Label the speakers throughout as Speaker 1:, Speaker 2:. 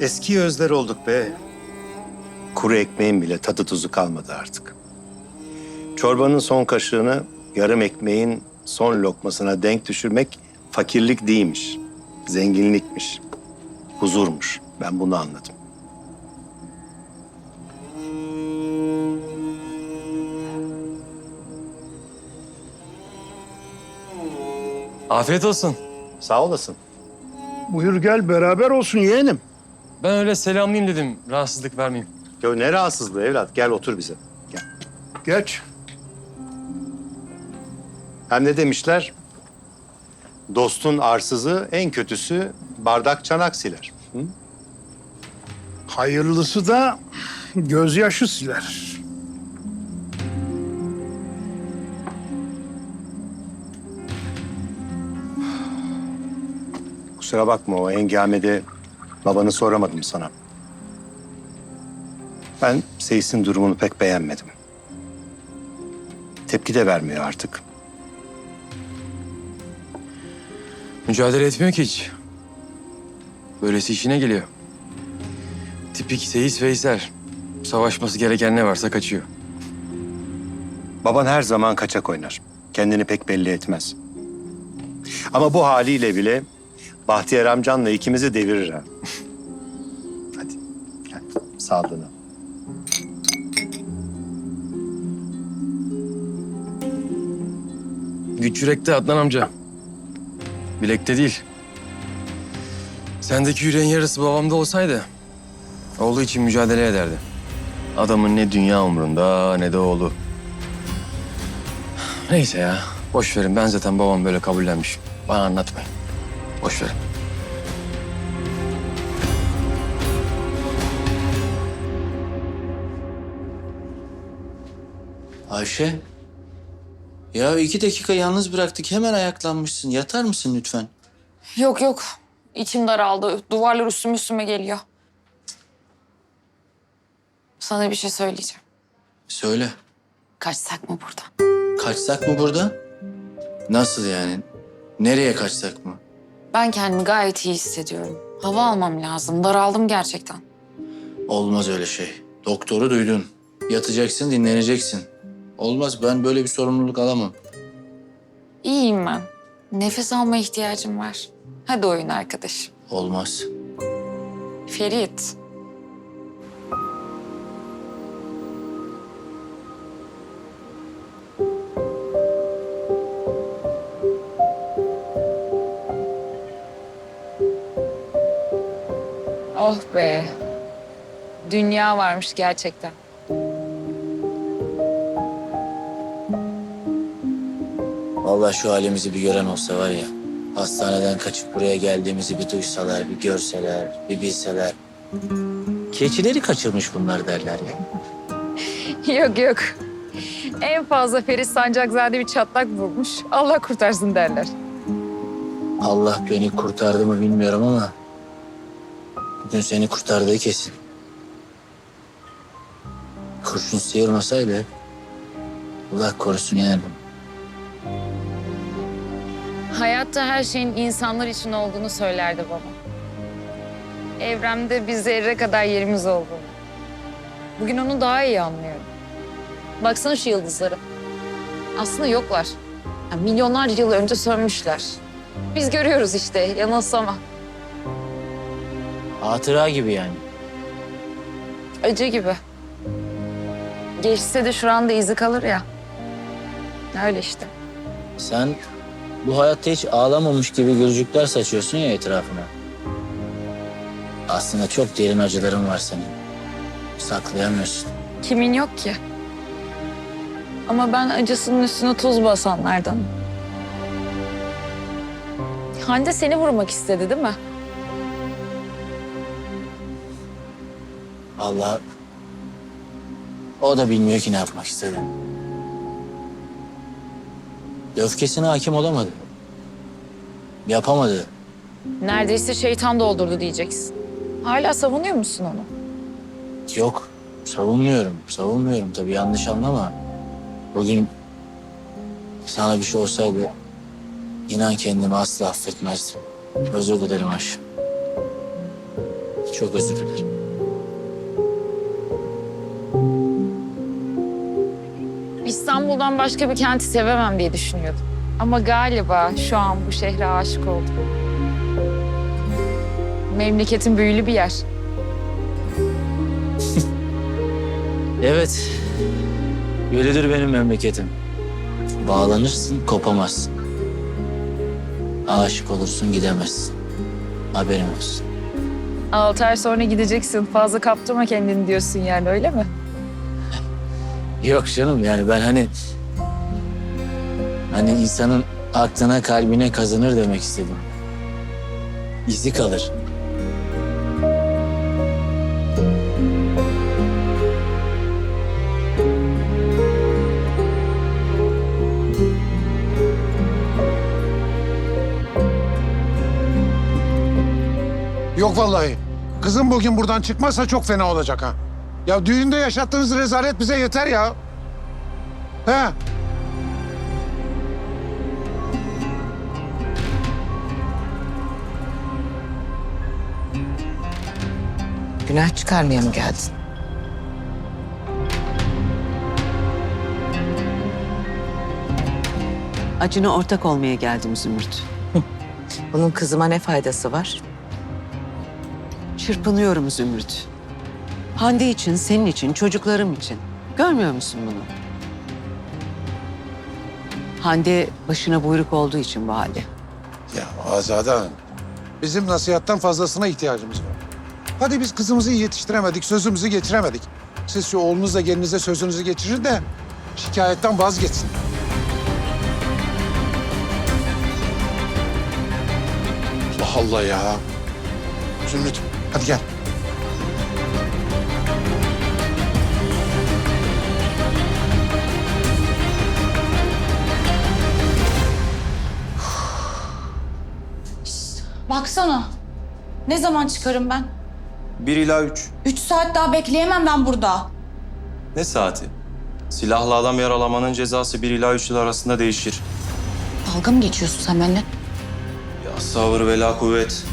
Speaker 1: Eski özler olduk be. Kuru ekmeğin bile tadı tuzu kalmadı artık. Çorbanın son kaşığını yarım ekmeğin son lokmasına denk düşürmek fakirlik değilmiş. Zenginlikmiş. Huzurmuş. Ben bunu anladım.
Speaker 2: Afiyet olsun.
Speaker 1: Sağ olasın.
Speaker 3: Buyur gel beraber olsun yeğenim.
Speaker 2: Ben öyle selamlayayım dedim. Rahatsızlık vermeyeyim.
Speaker 1: Ya ne rahatsızlığı evlat. Gel otur bize. Gel.
Speaker 3: Geç.
Speaker 1: Hem ne demişler? Dostun arsızı, en kötüsü bardak çanak siler. Hı?
Speaker 3: Hayırlısı da gözyaşı siler.
Speaker 1: Kusura bakma, o hengamede babanı soramadım sana. Ben Seyis'in durumunu pek beğenmedim. Tepki de vermiyor artık.
Speaker 2: Mücadele etmiyor ki hiç. Böylesi işine geliyor. Tipik Seyis Veysel. Savaşması gereken ne varsa kaçıyor.
Speaker 1: Baban her zaman kaçak oynar. Kendini pek belli etmez. Ama bu haliyle bile Bahtiyar amcanla ikimizi devirir ha. Hadi gel, sağlığına.
Speaker 2: Güç yürekte Adnan amca. Bilekte değil. Sendeki yüreğin yarısı babamda olsaydı oğlu için mücadele ederdi. Adamın ne dünya umrunda ne de oğlu. Neyse ya. Boş verin. Ben zaten babam böyle kabullenmiş. Bana anlatmayın. Boş verin.
Speaker 4: Ayşe. Ya 2 dakika yalnız bıraktık. Hemen ayaklanmışsın. Yatar mısın lütfen?
Speaker 5: Yok yok. İçim daraldı. Duvarlar üstüme geliyor. Sana bir şey söyleyeceğim.
Speaker 4: Söyle.
Speaker 5: Kaçsak mı buradan?
Speaker 4: Kaçsak mı buradan? Nasıl yani? Nereye kaçsak mı?
Speaker 5: Ben kendimi gayet iyi hissediyorum. Hava almam lazım. Daraldım gerçekten.
Speaker 4: Olmaz öyle şey. Doktoru duydun. Yatacaksın, dinleneceksin. Olmaz. Ben böyle bir sorumluluk alamam.
Speaker 5: İyiyim ben. Nefes alma ihtiyacım var. Hadi oyun arkadaşım.
Speaker 4: Olmaz.
Speaker 5: Ferit. Oh be. Dünya varmış gerçekten.
Speaker 4: Vallahi şu halimizi bir gören olsa var ya. Hastaneden kaçıp buraya geldiğimizi bir duysalar, bir görseler, bir bilseler. Keçileri kaçırmış bunlar derler ya.
Speaker 5: Yok yok. En fazla Ferit Sancakzade bir çatlak vurmuş. Allah kurtarsın derler.
Speaker 4: Allah beni kurtardı mı bilmiyorum ama bugün seni kurtardığı kesin. Kurşun sıyırmasaydı Allah korusun yani.
Speaker 5: Hayatta her şeyin insanlar için olduğunu söylerdi babam. Evremde bir zerre kadar yerimiz olduğunu. Bugün onu daha iyi anlıyorum. Baksana şu yıldızlara. Aslında yoklar. Ya milyonlarca yıl önce sönmüşler. Biz görüyoruz işte, yanılsama.
Speaker 4: Hatıra gibi yani.
Speaker 5: Acı gibi. Geçse de şuranda izi kalır ya. Öyle işte.
Speaker 4: Sen bu hayatta hiç ağlamamış gibi gülücükler saçıyorsun ya etrafına. Aslında çok derin acıların var senin. Saklayamıyorsun.
Speaker 5: Kimin yok ki? Ama ben acısının üstüne tuz basanlardanım. Hande seni vurmak istedi değil mi?
Speaker 4: Allah o da bilmiyor ki ne yapmak istedi. Öfkesine hakim olamadı. Yapamadı.
Speaker 5: Neredeyse şeytan doldurdu diyeceksin. Hala savunuyor musun onu?
Speaker 4: Yok, savunmuyorum. Savunmuyorum tabii, yanlış anlama. Bugün sana bir şey olsaydı inan kendimi asla affetmezdim. Özür dilerim Ayşe. Çok özür dilerim.
Speaker 5: İstanbul'dan başka bir kenti sevemem diye düşünüyordum. Ama galiba şu an bu şehre aşık oldum. Memleketin büyülü bir yer.
Speaker 4: Evet. Öyledir benim memleketim. Bağlanırsın, kopamazsın. Aşık olursun, gidemezsin. Haberin olsun.
Speaker 5: 6 ay sonra gideceksin. Fazla kaptırma kendini diyorsun yani, öyle mi?
Speaker 4: Yok canım, yani ben hani insanın aklına kalbine kazınır demek istedim. İzi kalır.
Speaker 6: Yok vallahi. Kızım bugün buradan çıkmazsa çok fena olacak ha. Ya düğünde yaşattığınız rezalet bize yeter ya. He?
Speaker 7: Günah çıkarmaya mı geldin?
Speaker 8: Acına ortak olmaya geldim Zümrüt.
Speaker 7: Bunun kızıma ne faydası var?
Speaker 8: Çırpınıyorum Zümrüt. Hande için, senin için, çocuklarım için. Görmüyor musun bunu? Hande başına buyruk olduğu için bu halde.
Speaker 6: Ya Azade Hanım, bizim nasihattan fazlasına ihtiyacımız var. Hadi biz kızımızı iyi yetiştiremedik, sözümüzü geçiremedik. Siz şu oğlunuzla gelinize sözünüzü geçirir de şikayetten vazgeçsin. Allah Allah ya. Zümrüt, hadi gel.
Speaker 9: Baksana. Ne zaman çıkarım ben?
Speaker 10: 1 ila 3.
Speaker 9: 3 saat daha bekleyemem ben burada.
Speaker 10: Ne saati? Silahlı adam yaralamanın cezası 1 ila 3 yıl arasında değişir.
Speaker 9: Dalga mı geçiyorsun sen benimle?
Speaker 10: Ya sabır ve la kuvvet.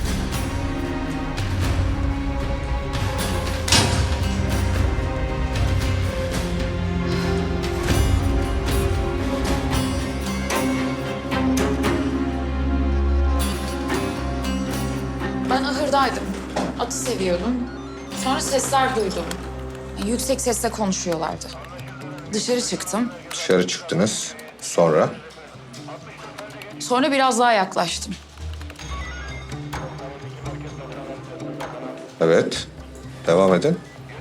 Speaker 5: Ben ahırdaydım. Atı seviyordum. Sonra sesler duydum. Yüksek sesle konuşuyorlardı. Dışarı çıktım.
Speaker 11: Dışarı çıktınız. Sonra?
Speaker 5: Sonra biraz daha yaklaştım.
Speaker 11: Evet. Devam edin.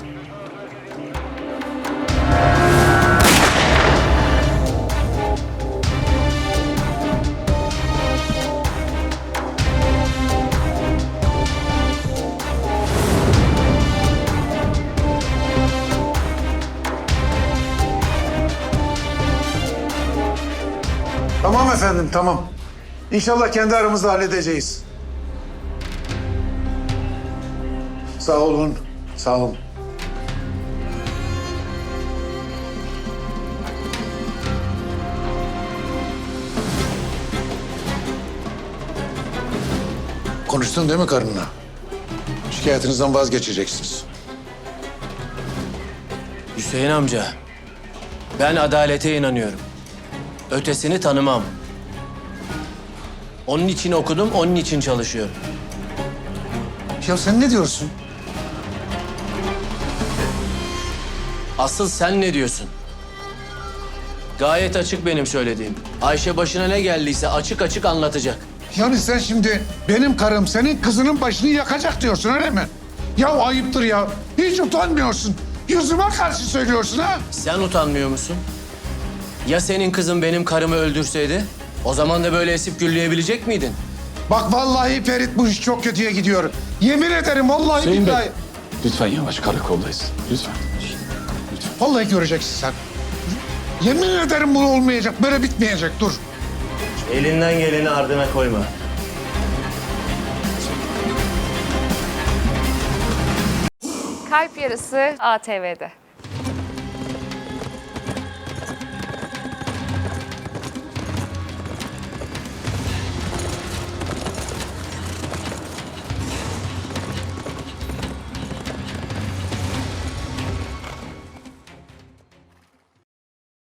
Speaker 6: Tamam efendim, tamam. İnşallah kendi aramızda halledeceğiz. Sağ olun, sağ olun. Konuştun değil mi karınla? Şikayetinizden vazgeçeceksiniz.
Speaker 4: Hüseyin amca, ben adalete inanıyorum. Ötesini tanımam. Onun için okudum, onun için çalışıyorum.
Speaker 6: Ya sen ne diyorsun?
Speaker 4: Asıl sen ne diyorsun? Gayet açık benim söylediğim. Ayşe başına ne geldiyse açık açık anlatacak.
Speaker 6: Yani sen şimdi benim karım senin kızının başını yakacak diyorsun öyle mi? Ya ayıptır ya. Hiç utanmıyorsun. Yüzüme karşı söylüyorsun ha?
Speaker 4: Sen utanmıyor musun? Ya senin kızın benim karımı öldürseydi? O zaman da böyle esip gürleyebilecek miydin?
Speaker 6: Bak vallahi Ferit bu iş çok kötüye gidiyor. Yemin ederim vallahi
Speaker 12: Hüseyin Bey.
Speaker 6: billahi.
Speaker 12: Lütfen yavaş, karakoldayız. Lütfen.
Speaker 6: Vallahi göreceksin sen. Yemin ederim bu olmayacak. Böyle bitmeyecek. Dur.
Speaker 4: Elinden geleni ardına koyma.
Speaker 5: Kalp Yarısı ATV'de.